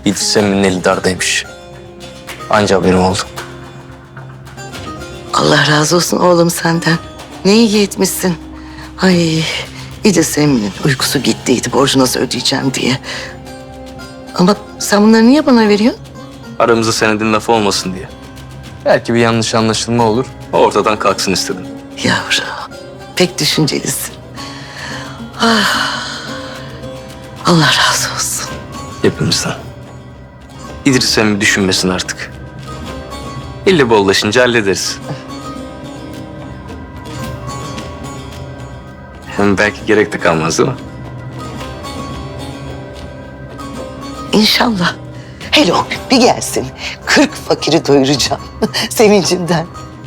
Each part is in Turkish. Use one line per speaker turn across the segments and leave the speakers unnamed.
İdris Emmi'nin eli dardaymış. Anca haberim oldu.
Allah razı olsun oğlum senden. Ne iyi etmişsin. Ay İdris Emin'in uykusu gittiydi borcu nasıl ödeyeceğim diye. Ama sen bunları niye bana veriyorsun?
Aramızda senedin lafı olmasın diye. Belki bir yanlış anlaşılma olur. Ortadan kalksın istedim.
Yavrum pek düşüncelisin. Ah, Allah razı olsun.
Hepimizden. İdris Emmi düşünmesin artık. İlle bollaşınca hallederiz. Hem belki gerek de kalmaz değil mi?
İnşallah. Hele o gün bir gelsin. 40 fakiri doyuracağım sevincimden.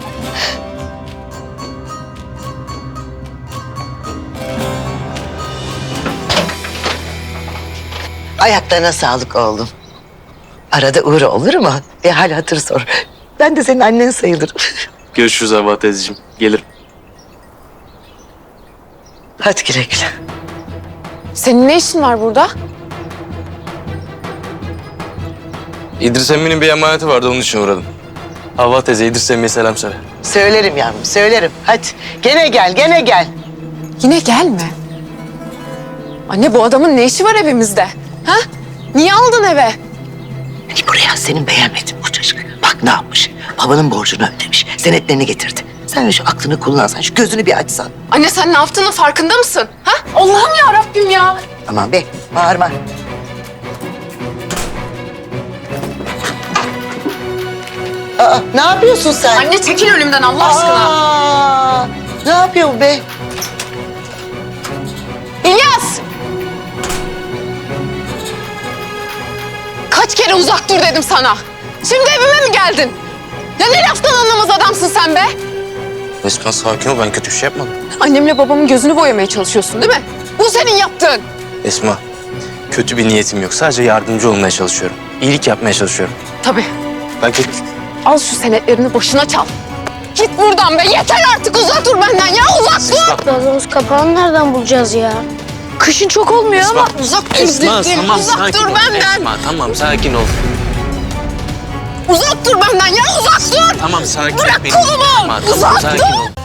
Ayaklarına sağlık oğlum. Arada uğra olur mu? Bir hal hatır sor. Ben de senin annen sayılırım.
Görüşürüz Havva teyzeciğim. Gelirim.
Hadi güle güle.
Senin ne işin var burada?
İdris Emmi'nin bir emaneti vardı, onun için uğradım. Havva teyze, İdris Emmi'ye selam söyle.
Söylerim yavrum, söylerim. Hadi gene gel, gene gel.
Yine gelme. Anne bu adamın ne işi var evimizde? Ha? Niye aldın eve?
Buraya senin beğenmedin bu çocuk. Bak ne yapmış. Babanın borcunu ödemiş. Senetlerini getirdi. Sen şu aklını kullansan, şu gözünü bir açsan.
Anne sen ne yaptığının farkında mısın? Ha? Allah'ım ya Rabbim ya.
Aman be, bağırma. Aa, ne yapıyorsun sen?
Anne çekil önümden Allah aşkına.
Aa, ne yapıyor bu be?
İlyas! Kaç kere uzak dur dedim sana. Şimdi evime mi geldin? Ya ne laftan anlamaz adamsın sen be?
Esma sakin ol, ben kötü bir şey yapmadım.
Annemle babamın gözünü boyamaya çalışıyorsun değil mi? Bu senin yaptığın.
Esma, kötü bir niyetim yok. Sadece yardımcı olmaya çalışıyorum. İyilik yapmaya çalışıyorum.
Tabii.
Ben kötü...
Al şu senetlerini başına çal. Git buradan be. Yeter artık. Uzak dur benden ya. Uzak dur.
Gazımız kapağını nereden bulacağız ya?
Kışın çok olmuyor ama uzak dur
Esma,
dedim.
tamam
Uzak
sakin
dur
ol.
benden.
Esma, tamam sakin ol.
Uzak dur benden ya. Uzak dur.
Tamam sakin ol.
Bırak
benim.
kolumu.
Esma, tamam,
Uzak
sakin
dur.
ol.